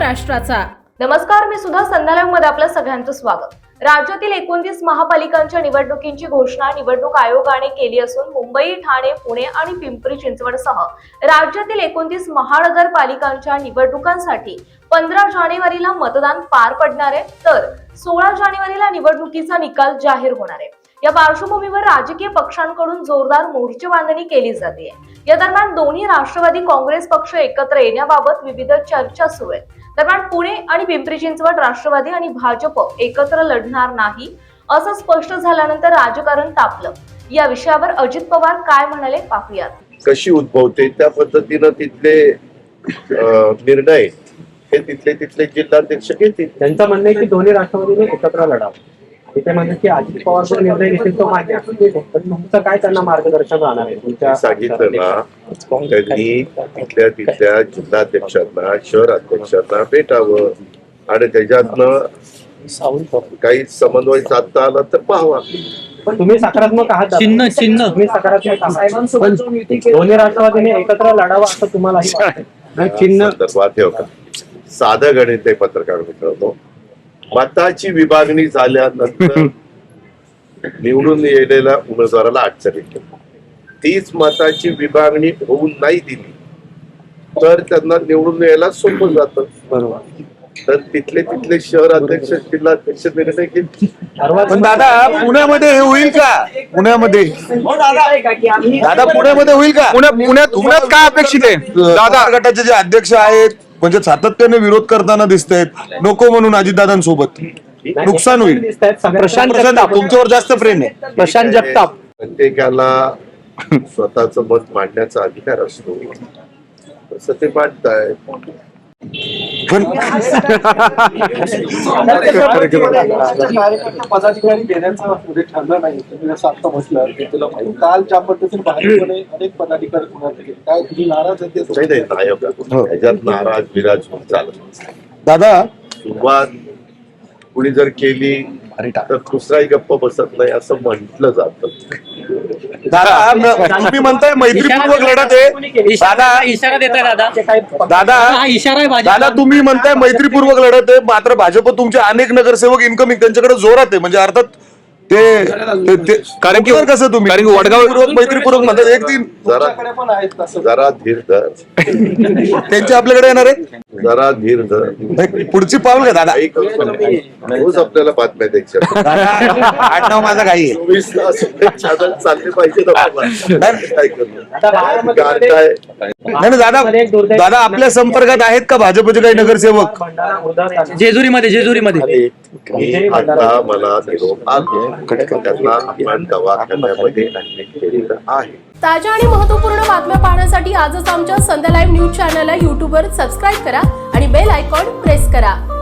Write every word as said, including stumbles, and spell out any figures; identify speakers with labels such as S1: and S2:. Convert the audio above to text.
S1: महाराष्ट्राचा।
S2: नमस्कार, मी सुद्धा संध्याकाळमध्ये आपलं सगळ्यांचं स्वागत। राज्यातील एकोणतीस महापालिकांच्या निवडणुकींची घोषणा निवडणूक आयोगाने केली असून मुंबई, ठाणे, पुणे आणि पिंपरी चिंचवडसह राज्यातील एकोणतीस महानगरपालिकांच्या निवडणुकांसाठी पंधरा जानेवारीला मतदान पार पडणार आहे, तर सोळा जानेवारीला निवडणुकीचा निकाल जाहीर होणार आहे। या पार्श्वभूमीवर राजकीय पक्षांकडून जोरदार मोर्चेबांधणी केली जाते। या दरम्यान दोन्ही राष्ट्रवादी काँग्रेस पक्ष एकत्र येण्याबाबत विविध चर्चा सुरू आहेत। दरम्यान पुणे आणि पिंपरी चिंचवड राष्ट्रवादी आणि भाजप एकत्र लढणार नाही असं स्पष्ट झाल्यानंतर राजकारण तापलं। या विषयावर अजित पवार काय म्हणाले पाहूयात।
S3: कशी उद्भवते त्या पद्धतीनं तिथले निर्णय हे तिथले तिथले जिल्हाध्यक्ष घेतील।
S4: त्यांचं म्हणणं आहे की दोन्ही राष्ट्रवादीने एकत्र लढावं। ते म्हणतात की अजित पवार जो निर्णय घेतील तो मान्य आहे, पण तुमचं काय त्यांना मार्गदर्शन राहणार आहे? तुमच्या
S3: सांगितलं ना, त्यांनी तिथल्या तिथल्या जिल्हाध्यक्षांना शहर अध्यक्षांना भेटावं आणि त्याच्यातनं काही समन्वय साधता आला तर पाहावा।
S4: पण तुम्ही सकारात्मक आहात,
S5: चिन्ह चिन्ह
S4: तुम्ही सकारात्मक आहात, पण दोन्ही राष्ट्रवादीने एकत्र लढावं असं तुम्हालाही वाटतं? चिन्ह
S3: संदर्भात हे का साधं गणित आहे पत्रकार मित्रांनो। मताची विभागणी झाल्यानंतर निवडून येलेल्या उमेदवाराला अडचण येते। तीच मताची विभागणी होऊन नाही दिली तर त्यांना निवडून यायला सोपं जातं।
S4: बरोबर,
S3: तर तिथले तिथले शहर अध्यक्ष जिल्हाध्यक्ष निर्णय घेतील।
S6: पण दादा पुण्यामध्ये हे होईल का? पुण्यामध्ये दादा पुण्यामध्ये होईल का?
S5: पुण्यात पुण्यात काय अपेक्षित आहे
S6: दादा गटाचे जे अध्यक्ष आहेत म्हणजे सातत्याने विरोध करताना दिसत आहेत, नको म्हणून अजितदादांसोबत नुकसान होईल।
S4: प्रशांत
S6: जगताप तुमच्यावर जास्त प्रेम आहे।
S4: प्रशांत जगताप
S3: प्रत्येकाला स्वतःच मत मांडण्याचा अधिकार असतो, तसं ते मांडताय।
S7: पदाधिकारी देण्याचा ठरलं नाही, जसं आता म्हटलं तुला काल ज्या पद्धतीने भाजपने अनेक पदाधिकारी पुण्यात गेले, काय तुम्ही नाराज आहे?
S3: नाही नाही नायक ह्याच्यात नाराज विराज चालत
S6: दादा
S3: सुरुवात कुणी जर केली तर दुसराही गप्प बसत नाही असं म्हटलं जातं।
S6: दादा तुम्ही म्हणताय मैत्रीपूर्वक लढत आहे, दादा
S5: इशारा देताय दादा
S6: दादा
S5: हा इशारा आहे भाजपला।
S6: दादा तुम्ही म्हणताय मैत्रीपूर्वक लढत आहे, मात्र भाजप तुमचे अनेक नगरसेवक इन्कमिंग त्यांच्याकडे जोरात आहे, म्हणजे अर्थात ते कारण की कसं तुम्ही कारण वडगाव मैत्रीपूर्वक म्हणतात एक दिन
S3: जरा
S7: पण आहेत तसं
S3: जरा धीर धर,
S6: त्यांचे आपल्याकडे येणार आहे,
S3: जरा धीर धर।
S6: पुढची पाऊल का दादा?
S3: रोज आपल्याला बातम्या द्यायच्या,
S6: आठ नाव माझा काही
S3: चोवीस तास चॅनल चालले पाहिजे ना। काय करू काय
S6: नाही दादा दादा आपल्या संपर्कात आहेत का भाजपचे काही नगरसेवक?
S5: जेजुरीमध्ये जेजुरीमध्ये
S3: आता मला निरोप आला, त्यांना आपण दवाखान्यामध्ये ऍडमिट केलेलं आहे।
S1: ताज्या आणि महत्त्वपूर्ण बातम्या पाहण्यासाठी आजच आमच्या संध्या लाईव्ह न्यूज चॅनलला यूट्यूबवर सबस्क्राईब करा आणि बेल आयकॉन प्रेस करा।